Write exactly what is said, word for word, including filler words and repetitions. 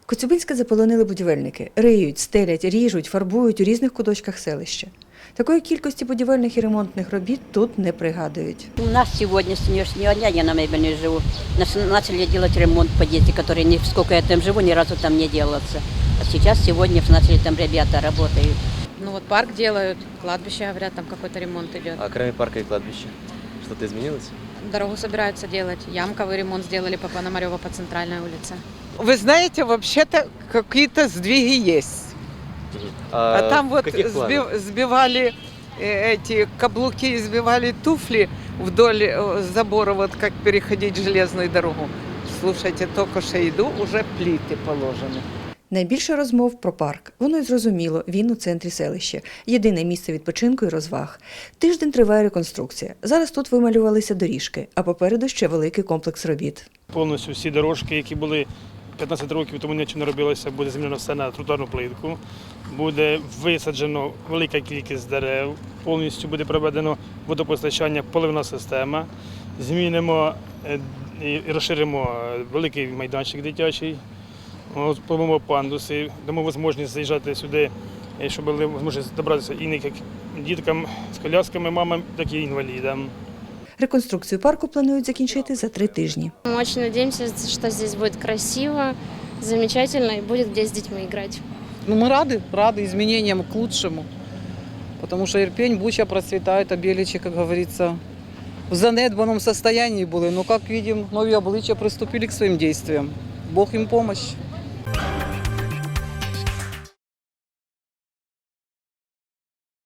Коцюбинське заполонили будівельники. Риють, стелять, ріжуть, фарбують у різних куточках селища. Такої кількості будівельних і ремонтних робіт тут не пригадують. У нас сегодня с сегодняшнего дня, я на мебельной живу, нас- начали делать ремонт в подъезде, который, ни- сколько я там живу, ни разу там не делался. А сейчас, сегодня начали там ребята работают. Ну вот парк делают, кладбище, говорят, там какой-то ремонт идет. А кроме парка и кладбища, что-то изменилось? Дорогу собираются делать. Ямковый ремонт сделали по Пономарёва по центральной улице. Вы знаете, вообще-то какие-то сдвиги есть. А, А там в вот каких планах? сби- сбивали э, эти каблуки, сбивали туфли вдоль э, забора, вот как переходить железную дорогу. Слушайте, только что иду, уже плиты положены. Найбільше розмов про парк. Воно й зрозуміло, він у центрі селища. Єдине місце відпочинку і розваг. Тиждень триває реконструкція. Зараз тут вималювалися доріжки, а попереду ще великий комплекс робіт. Повністю всі дорожки, які були п'ятнадцять років тому нічого не робилося, буде змінено все на тротуарну плитку, буде висаджено велика кількість дерев, повністю буде проведено водопостачання, поливна система, змінимо е, і розширимо великий майданчик дитячий, поливимо пандуси, дамо можливість заїжджати сюди, е, щоб були можливість добратися і не як діткам з колясками, мамам, так і інвалідам. Реконструкцію парку планують закінчити за три тижні. Мы очень надеемся, что здесь будет красиво, замечательно и будет где с детьми играть. Ну, мы рады, рады изменениям к лучшему. Потому что Ирпень, Буча процветают, а Беличи, как говорится, в занедбанном состоянии были. Но, как видим, новые обличия приступили к своим действиям. Бог им помощь.